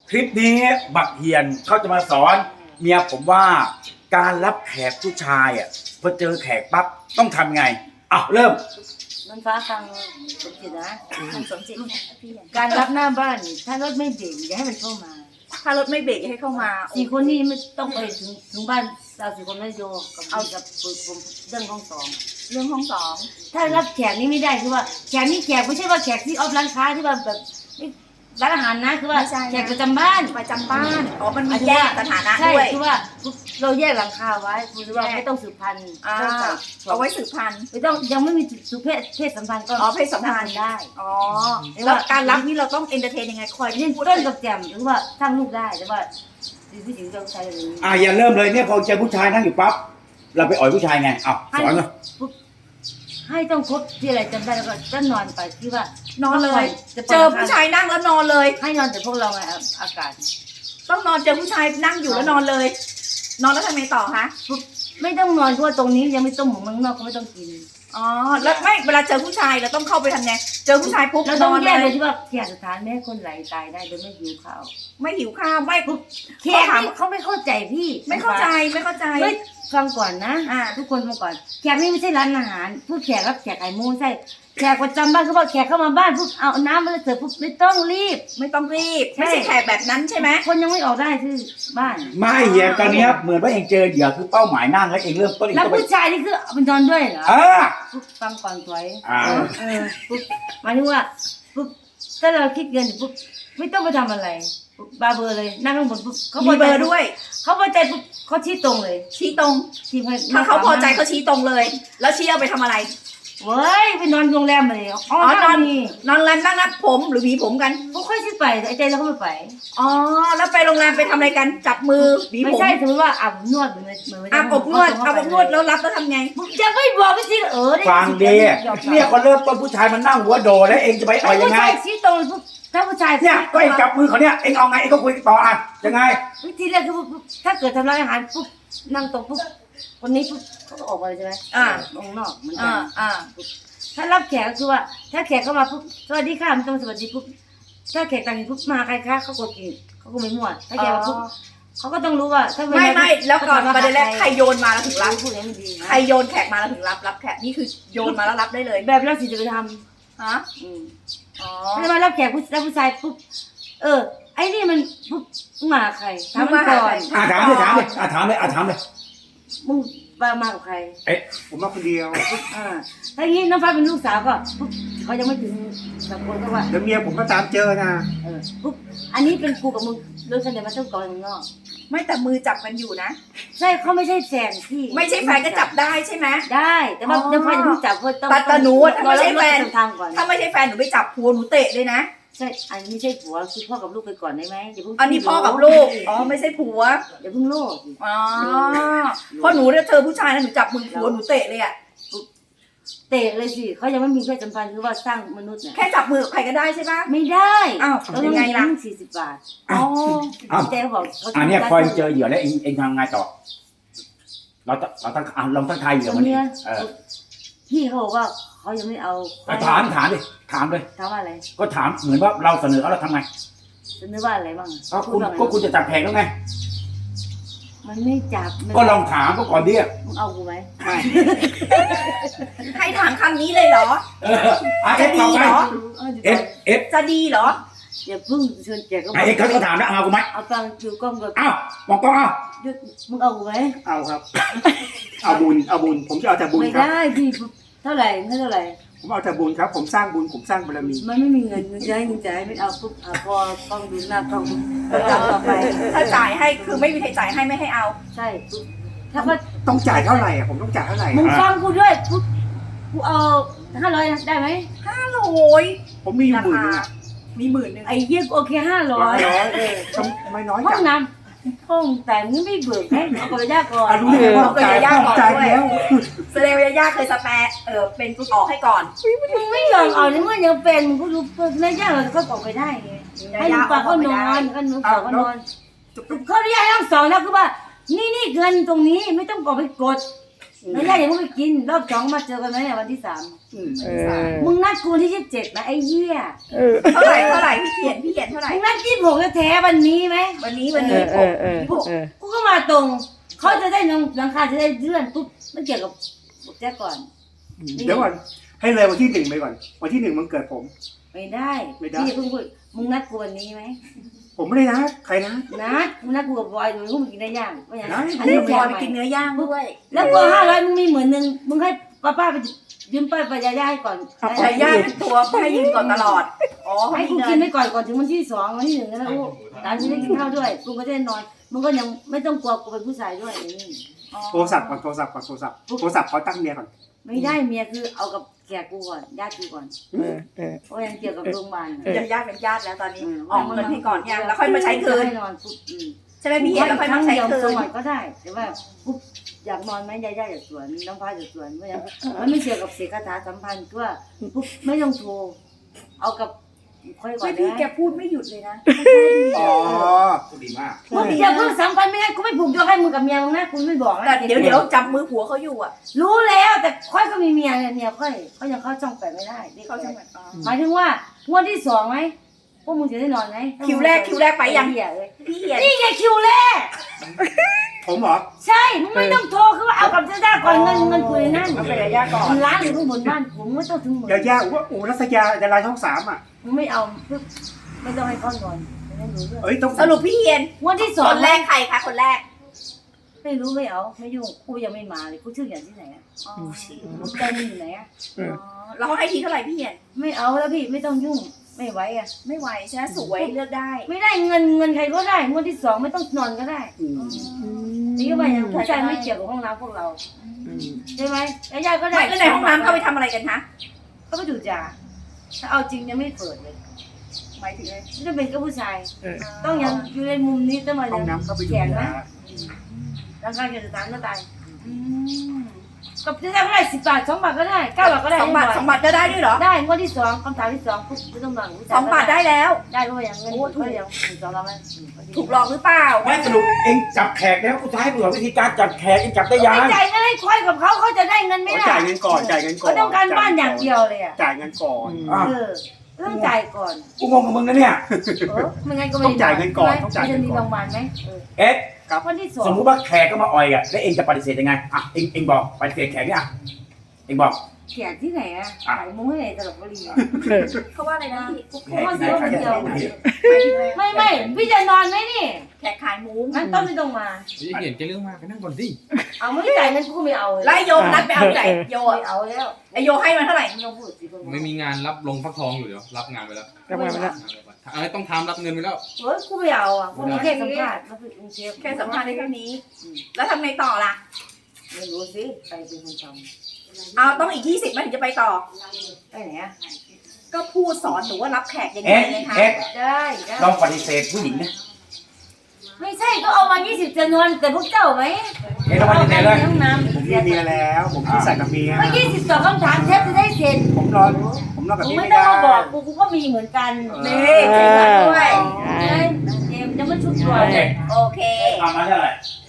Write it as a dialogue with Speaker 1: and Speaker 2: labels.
Speaker 1: คลิปนี้บักเฮียนเขาจะมาสอนเมียผมว่าการรับแขกผู้ชายอ่ะพอเจอแขกปั๊บต้องทำไงเริ่ม
Speaker 2: มันฟ้าฟังสมจิตนะ
Speaker 3: สมจิตพี่
Speaker 2: การรับหน้าบ้านถ้ารถไม่เบรกอย่าให้มันเข้ามา
Speaker 3: ถ้ารถไม่เบรกให้เข้ามา
Speaker 2: 4 คนนี้ไม่ต้องไปถึงบ้านเรา4 คนไม่โยกับเอากับผมเรื่องห้อง2
Speaker 3: เรื่องห้อง
Speaker 2: ถ้ารับแขกนี่ไม่ได้คือว่าแขกนี่แขกไม่ใช่ว่าแขกที่ออฟร้านค้าที่ว่าแบบร้านอาหารนะคือว่าแขกประจำบ้าน
Speaker 3: มันมีแยกสถานะ
Speaker 2: ด้วย
Speaker 3: ใช่
Speaker 2: คือว่าเราแยกหลังคาไว้คือว่าไม่ต้องสืบพันธุ์
Speaker 3: เอาไว้สืบพันธุ์
Speaker 2: ไม่ต้องยังไม่มีสุเพศสัมพันธ์ก็
Speaker 3: เพศสัมพันธ์
Speaker 2: ได้
Speaker 3: แล้วการรับนี่เราต้องเอนเตอร์เทนยังไงคอย
Speaker 2: เล่นต้นกับแจ่มหรือว่าสร้างลูกได้แต่ว่าผู้หญิงจะใช้อะไร
Speaker 1: อย่าเริ่มเลยเนี่ยพอเจอผู้ชายนั่งอยู่ปั๊บเราไปอ่อยผู้ชายไงสอนเลย
Speaker 2: ให้ต้องครบที่อะไรจำได้แล้วก็จะนอนไปที่ว่าน
Speaker 3: อนเลยเจอผู้ชายนั่งแล้วนอนเลย
Speaker 2: ให้นอนแต่พวกเราไงอากาศ
Speaker 3: ต้องนอนเจอผู้ชายนั่งอยู่แล้วนอนเลยนอนแล้วทำไงต่อคะ
Speaker 2: ไม่ต้องนอนเพราะว่าตรงนี้ยังไม่ต้มหมูเมืองนอกก็ไม่ต้องกิน
Speaker 3: แล้วไม่เวลาเจอผู้ชายเราต้องเข้าไปทำไงเจอผู้ชายปุ๊บ
Speaker 2: เราต้องแยกเลยที่ว่าแขกสถานไม่ให้คนไหลตายได้โดยไม่หิวข้าว
Speaker 3: ไม่ปุ๊บ
Speaker 2: แขกเขาไม่เข้าใจพี่
Speaker 3: ไม่เข้าใจ
Speaker 2: ไม่ฟังก่อนนะทุกคนฟังก่อนแขกนี่ไม่ใช่ร้านอาหารผู้แขกรับแขกไอ้มูใช่แขกประจำบ้านเขาบอกแขกเข้ามาบ้านปุ๊บเอาน้ำมาเสิร์ฟปุ๊บไม่ต้องรีบ
Speaker 3: ไม่ใช่แขกแบบนั้นใช่ไหม
Speaker 2: คนยังไม่ออกได้ที่บ้าน
Speaker 1: ไม่เฮียตอนนี้เหมือนว่าเองเจอเหยื่อคือเป้าหมายนั่งแล้วเองเริ่มต้น
Speaker 2: แล้วผู้ชายนี่คือเป็นนอนด้วยเหรอปุ๊บฟังก่อนสวยปุ๊บหมายถึงว่าปุ๊บถ้าเราคิดเงินปุ๊บไม่ต้องไปทำอะไรบาเบอร์เลยนั่งข้างบนปุ๊บ
Speaker 3: เขามีเบอร์ด้วย
Speaker 2: เขาพอใจปุ๊บเขาชี้ตรงเลย
Speaker 3: ชี้ตรงถ้าเขาพอใจเขาชี้ตรงเลยแล้วชี้เอาไปทำอะไร
Speaker 2: เว้ยไปนอนโรงแรมเลย
Speaker 3: นอนโรงแรมนั่งนัดผมหรือหวีผมกัน
Speaker 2: เขาค่อยชี้ไปไอ้ใจเราก็ไม่ไป
Speaker 3: แล้วไปโรงแรมไปทำอะไรกันจับมือหวีผม
Speaker 2: ไม่ใช่สมมติว่าอาบนวดเหมือน
Speaker 3: อาบอบนวดแล้วรับแล้วทำไง
Speaker 2: จะไม่บอกไม่ชี้
Speaker 1: ฟังดีเนี่ยเขาเริ่มต้นผู้ชายมันนั่งหัวโดแล้วเองจะไปอ่อยยังไง
Speaker 2: ชี้ตรงปุ๊บถ้าผู้ชาย
Speaker 1: เนี่ยก็เองจับมือเขาเนี่ยเองเอาไงเองก็คุยต่อยังไง
Speaker 2: วิธีแรกคือถ้าเกิดทำร้ายอาหารปุ๊บนั่งตรงปุ๊บคนนี้ปุ๊บเขาก็ออกมาเลยใช่ไหมตรงนอกมันถ้ารับแขกก็คือว่าถ้าแขกเข้ามาปุ๊บสวัสดีค่ะมันต้องสวัสดีปุ๊บถ้าแขกต่างปุ๊บมาใครคะเขากดกิ่งเขาก็ไม่มั่วถ้าแขกมาปุ๊บเขาก็ต้องรู้ว่าถ้า
Speaker 3: ไม่แล้วก่อนประเด็นแรกใครโยนมาแล้วถึงรับ
Speaker 2: พูดอย่างนี้ดี
Speaker 3: ใครโยนแขกมาแล้วถึงรับแขกนี่คือโยนมาแล้วรับได้เลย
Speaker 2: แบบเราสิจะไปทำถ้ามารับแขกผู้ชายปุ๊บไอ้นี่มันปุ๊บมาใครถามมันก่อน
Speaker 1: ถามเลย
Speaker 2: มึงมากับใคร
Speaker 1: ผมมาคนเดียว
Speaker 2: ถ้าอย่างนี้น้องฟ้าเป็นลูกสาวก็ปุ๊บเขายังไม่ถึงสองคนก็ว่า
Speaker 1: เดี๋ยวเมียผมก็ตามเจอนะ
Speaker 2: ปุ๊บอันนี้เป็นกูกับมึงเรื่องเสน่ห์มาต้องก่อนมึงนอก
Speaker 3: ไม่แต่มือจับกันอยู่นะ
Speaker 2: ใช่เขาไม่ใช่แฟนพี่
Speaker 3: ไม่ใช่แฟนก็จับได้ใช่ไหม
Speaker 2: ได้แต่ว่าน้องฟ้ายังไม่จับเพราะต้อง
Speaker 3: แต่หนูถ้าไม่ใช่แฟนถ้าไม่ใช่แฟนหนูไปจับผัวหนูเตะเลยนะ
Speaker 2: ใช่อันนี้ไม่ใช่ผัวคือพ่อกับลูกไปก่อนได้ไหมอย่าเพิ่ง
Speaker 3: อันนี้พ่อกับลูกไม่ใช่ผัว
Speaker 2: อย่าเพิ่งโลก
Speaker 3: เพราะหนูเนี่ยเธอผู้ชายนะหนูจับมือผัวหนูเตะเลย
Speaker 2: เตะเลยสิเขายังไม่มีเพศสัมพันธ์คือว่าสร้างมนุษย์เนี่ย
Speaker 3: แค่จับมือใครก็ได้ใช่ปะ
Speaker 2: ไม่ได้
Speaker 3: ต้องยังไงล่ะ
Speaker 2: 40 บาท
Speaker 1: เจ๊บอกอันนี้พอเจอเหยื่อแล้วเองทำไงต่อเราลองตั้งทายเหยื่อมันนี่
Speaker 2: พี่เขาบอกว่าเขายังไม่เอา
Speaker 1: ถามเลย
Speaker 2: ถามว่าอะไร
Speaker 1: ก็ถามเหมือนว่าเราเสนอเขาเราทำไง
Speaker 2: เสนอว่าอะไรบ้าง
Speaker 1: คุณจะจับแผงแล้วไง
Speaker 2: มันไม่จับ
Speaker 1: ก็ลองถามก็ก่อนดิ
Speaker 2: มึงเอากูไหม
Speaker 3: ให้ถามคำนี้เลยเหรอจะดีเหรอจะดีเหรอ
Speaker 2: อย่าพึ่งเชิญแกก็
Speaker 1: เขาถามแล้วเอากูไหม
Speaker 2: เอาฟังคิวกล้องก่อน
Speaker 1: มองกล้อง
Speaker 2: มึงเอากูไหม
Speaker 1: เอาครับเอาบุญผมจะเอาแต่บุญครับ
Speaker 2: ไม่ได้พี่เท่าไหร่
Speaker 1: ผมเอาแต่บุญครับผมสร้างบุญผมสร้างบารมี
Speaker 2: มันไม่มีเงินจะให้ไม่เอาปุ๊บพอกล้องดูหน้ากล้องต่อไป
Speaker 3: ถ้าจ่ายให้คือไม่มีใครจ่ายให้ไม่ให้เอา
Speaker 2: ใช่ถ้าก็
Speaker 1: ต้องจ่ายเท่าไหร่ผมต้องจ่ายเท่าไหร่
Speaker 2: มึงฟังกูด้วยกูเอา500ได้ไหม
Speaker 3: 500
Speaker 1: ผมมีอยู่
Speaker 3: มี10,000
Speaker 2: ไอ้เยี่ยโอเค500
Speaker 1: ทำไมน้อย
Speaker 2: จังห้องน้ำห้องแต่มึงไม่เบิกให้เอาไปย่าก่อน
Speaker 1: รู้เลยว่า
Speaker 3: ย่าก่อนด้วยแสดงว่าย่าเคยสแปร์เป็นออกให้ก่อน
Speaker 2: มึงไม่ยอมเอาในเมื่อยังเป็นมึงก็รู้ในย่าเราก็ออกไปได้ไงให้มึงปากเขานอนก็หนูปากเขานอนเขาเรียกทั้ง2แล้วคือว่านี่เงินตรงนี้ไม่ต้องออกไปกดแล้วย่าอย่าเพิ่งไปกินรอบสองมาเจอกันไหมเนี่ยวันที่3 มึงนัดกูวันที่27นะไอ้เหี้ย
Speaker 3: เท่าไหร่พี่เขียนเท่าไหร่
Speaker 2: มึงนัด26แท้ๆวันนี้ไหม
Speaker 3: วันนี้ผม
Speaker 2: กูก็มาตรงเขาจะได้หลังคาจะได้เลื่อนปุ๊บไม่เกี่ยวกับแจ็คก่อน
Speaker 4: เดี๋ยวก่อนให้เลยวันที่1ไปก่อนวันที่1มันเกิดผม
Speaker 2: ไม่ได้พี่เพิ่งพูดมึงนัดกูวันนี้ไหม
Speaker 4: ผมไม่ได้นะใครนะ
Speaker 2: นัดกูกับบอยมึงกินได้ย่างไม่อย่าง
Speaker 3: อันนี้บอยไปกินเนื้อย่างด้วย
Speaker 2: แล้วก็500มึงมี10,000มึงให้ป้าไปยืมไปยาให้ก่อน
Speaker 3: ยาย่าเป็นตัวให้ยืนก่อนตลอดอ๋อ
Speaker 2: ให้กูกินไปก่อนถึงวันที่2วันที่1นะลูกตอนที่ได้กินข้าวด้วยกูก็ได้นอนมึงก็ยังไม่ต้องกลัวกูเป็นผู้ชายด้วยอย่างนี้
Speaker 4: โทรศัพท์โทรศัพท์เขาตั้งเมียก่อน
Speaker 2: ไม่ได้เมียคือเอากับแขกกูก่อนญาติกูก่อนเพราะยังเกี่ยวกับโรงพยาบาล
Speaker 3: ญาติเป็นญาติแล้วตอนนี้ออกเงินให้ก่อนยังแล้วค่อยมาใช้คืน
Speaker 2: ให้นอนปุ๊บ
Speaker 3: ใช่ไหมพี่เขียนแล้วค่อยมาใช้คื
Speaker 2: ส
Speaker 3: น
Speaker 2: วรรค์ก็ได้แต่ว่าปุ๊บอยากนอนไหมยาอยากสวนน้องพายอยากสวนเพราะยังมันไม่เกี่ยวกับเสียคาถาสัมพันธ์ก็ปุ๊บไม่ต้องโทรเอากับค่อยก่อน
Speaker 3: พี่
Speaker 2: นะ
Speaker 3: แกพูดไม่หยุดเลยนะ
Speaker 4: อ๋อ
Speaker 1: ดีมาก
Speaker 2: มึงอย่าเพิ่งสัมพันธ์ไม่ได้กูไม่ผูกโยกให้มึงกับเมียมึงนะกูไม่บอกนะ
Speaker 3: แต่เดี๋ยวจับมือผัวเขาอยู่อ่ะ
Speaker 2: รู้แล้วแต่ค่อยก็มีเมียเนี่ยเมียค่อยเขายังเข้าช่องแปดไม่ได้
Speaker 3: เขาจะเหมือน
Speaker 2: หมายถึงว่างวดที่2ไหมพวกมึงจะได้นอนไหม
Speaker 3: คิวแรกไปยัง
Speaker 2: เหี้ยเลย
Speaker 3: พี่เขียน
Speaker 2: นี่ไงคิวแรก
Speaker 4: ผมเหรอ
Speaker 2: ใช่มึงไม่ต้องโทรคือว่าเอากับเจ้าก่อนเงินคุยนั่น
Speaker 3: เอาไปยาย่าก่อน
Speaker 2: มันร้านอยู่ข้างบนบ้านผมไม่ต้องถึงหมื่น
Speaker 4: ยารัศยาดาราช่อง3อ่ะ
Speaker 2: มึงไม่เอาไม่ต้องให้เขานอนไม่รู้เรื่อง
Speaker 4: เอ้ยต้อง
Speaker 3: สรุปพี่เขียน
Speaker 2: งวดที่
Speaker 3: ค
Speaker 2: 2
Speaker 3: นแรกใครคะคนแรก
Speaker 2: ไม่รู้ไม่เอาไม่ยุ่งกูยังไม่มาเลยกูชื่ออย่างที่ไหนอ่ะใจมึงอยู่ไหนอ่ะ
Speaker 3: แล้วเขาให้ทีเท่าไหร่พี่เขียน
Speaker 2: ไม่เอาแล้วพี่ไม่ต้องยุ่งไม่ไหวอ่ะ
Speaker 3: ไม่ไหวใช่ไหมสวยเลือกได้
Speaker 2: ไม่ได้เงินใครก็ได้งวดที่2ไม่ต้องนอนก็ได้นี่ก็หมายถึงผู้ชายไม่เกี่ยวกับห้องน้ำพวกเราใช่ไหมแล้วยายก็ได้
Speaker 3: ไม่แล้วในห้องน้ำเขาไปทำอะไรกันคะ
Speaker 2: ก็ไปดูดยาถ้าเอาจริงยังไม่เปิดเลย
Speaker 3: หมายถึงอะไร
Speaker 2: จะเป็นก็ผู้ชาย ต้องยังอยู่ในมุมนี้ต้องมา
Speaker 4: ห้องน้ำเข้าไป
Speaker 2: แข
Speaker 4: ดู
Speaker 2: น
Speaker 4: นะ
Speaker 2: นะร่างกายจะตายก็ตายกับจะได้ก็ได้10 บาท2 บาทก็ได้9 บาทก็ได้
Speaker 3: 2 บาท2 บาทจะได้ด้วยเหรอ
Speaker 2: ได้งวดที่2คำถามที่2ปุ๊บไม่ต้องมา
Speaker 3: 2 บาทได้แล้ว
Speaker 2: ได้ก็อย่างเงินก็ยัง2เราไหม
Speaker 3: ถูกหลอกหรือเปล่า
Speaker 1: ไม่สรุปเองจับแขกแล้วกูจะให้กูสอนวิธีการจับแขกเองจับได้ยัง
Speaker 2: ไม่จ่ายเงินให้ควายกับเขาจะได้เงินไม่ได้
Speaker 4: จ่ายเงินก่อน
Speaker 2: เขาต้องการบ้านอย่างเดียวเลยอ่ะ
Speaker 4: จ่ายเงินก่อน
Speaker 2: ต้องจ่ายก่อน
Speaker 1: กูงงกับมึงนะเนี่ย
Speaker 2: ไม่งั้นก็ไม่
Speaker 4: ต้องจ่ายเงินก่อนต้องจ่าย
Speaker 2: จะ
Speaker 4: เงิน
Speaker 2: มี
Speaker 4: ก่อน
Speaker 2: โรงพยาบาลไหม
Speaker 1: เอ๊ะ
Speaker 2: วันที่2
Speaker 1: สมมุติว่าแขกก็มาอ่อยอ่ะแล้วเองจะปฏิเสธยังไงอ่ะเองบอกปฏิเสธแขกเนี่ยอ่ะเองบอก
Speaker 2: แขกที่ไหนอ่ะขายมุ้งให้ไหนตลกบุรี
Speaker 3: เขาว่าอะไรนะ
Speaker 2: เพราะว่าซื้อคนเดียว
Speaker 3: หมายถึงอะไร
Speaker 2: ไม่พี่จะนอนไหมนี่
Speaker 3: แขกขายหมู
Speaker 2: งั้นต้นไม่ต้องมา
Speaker 5: นี่เห็นแกเรื่องมากไปนั่งก่อนสิ
Speaker 2: เอาไม่จ่ายเงินกูไม่เอาเลย
Speaker 3: ไล่โยมนัดไปเอาไหนโย
Speaker 2: ไม่เอาแล้ว
Speaker 3: ไอโยให้มาเท่าไหร่
Speaker 2: ไม่ต้องพูดสิ
Speaker 5: ไม่มีงานรับลงฟักทองอยู่เดี๋ยวรับงานไปแล้ว
Speaker 2: รับงานไปแล้ว
Speaker 5: อะไรต้องทำรับเงินไปแล้ว
Speaker 2: เฮ้ยกูไม่เอาอ่ะกูแค่สัมภาษณ์มาฝึกกรุงเทพ
Speaker 3: แค่สัมภาษณ์ได้แค่นี้ แล้วทำไงต่อล่ะ
Speaker 2: ไม่รู้สิใครเป็นคนท
Speaker 3: เอาต้องอีก20มันถึงจะไปต่อ
Speaker 2: ำได้ไหนอ่ะ
Speaker 3: ก็พูดสอนหนูว่ารับแขกยังไง
Speaker 1: เอ๊ะ
Speaker 3: ไงคะ
Speaker 1: เอ๊ะ
Speaker 2: ได้ได้
Speaker 1: ลองปฏิเสธผู้หญิงนะ
Speaker 2: ไม่ใช่ก็เอามา20จะนอนแต่พวกเจ้าไหม
Speaker 1: เอ๊ะลองปฏิเสธเลย
Speaker 2: ห้องน้ำ
Speaker 4: ผมมีเมียแล้วผมที่ใส่กับเมีย
Speaker 2: ก็20ต่อคำถามแทบจะได้เสร็จ
Speaker 4: ผมนอนกับ
Speaker 2: มึง
Speaker 4: พี่
Speaker 2: ไม่
Speaker 4: ไม่
Speaker 2: ต้อง
Speaker 4: ได้
Speaker 2: มาบอกกูก็มีเหมือนกัน
Speaker 3: นี่เก่งมากด้วย
Speaker 2: เอ็มยังไม่ชุดตัว
Speaker 1: โอเค
Speaker 3: โอเค
Speaker 1: เอามาเท่าไหร่